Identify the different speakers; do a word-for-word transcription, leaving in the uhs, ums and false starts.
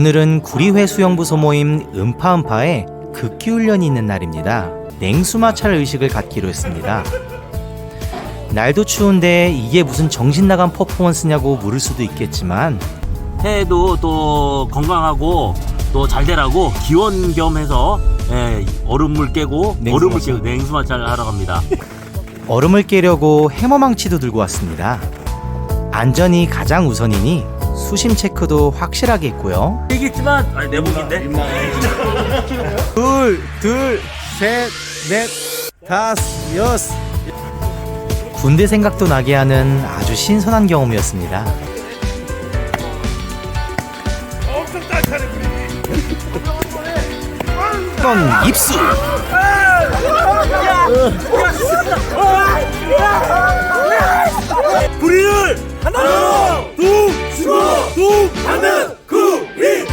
Speaker 1: 오늘은 구리회 수영부소 모임 음파음파에 극기훈련이 있는 날입니다. 냉수마찰 의식을 갖기로 했습니다. 날도 추운데 이게 무슨 정신나간 퍼포먼스냐고 물을 수도 있겠지만
Speaker 2: 해도 또 건강하고 또 잘 되라고 기원 겸 해서 예, 얼음물 깨고
Speaker 1: 냉수
Speaker 2: 얼음물
Speaker 1: 마찰.
Speaker 2: 깨고 냉수마찰 하러 갑니다.
Speaker 1: 얼음을 깨려고 해머망치도 들고 왔습니다. 안전이 가장 우선이니 수심 체크도 확실하게 했고요.
Speaker 2: 얘기했지만 아니 내복인데.
Speaker 3: 둘, 둘, 셋, 넷, 다섯, 여섯.
Speaker 1: 군대 생각도 나게 하는 아주 신선한 경험이었습니다. 이건 입수!
Speaker 2: 우리를 하나, 둘, 수고, 둘, 하나, 구리.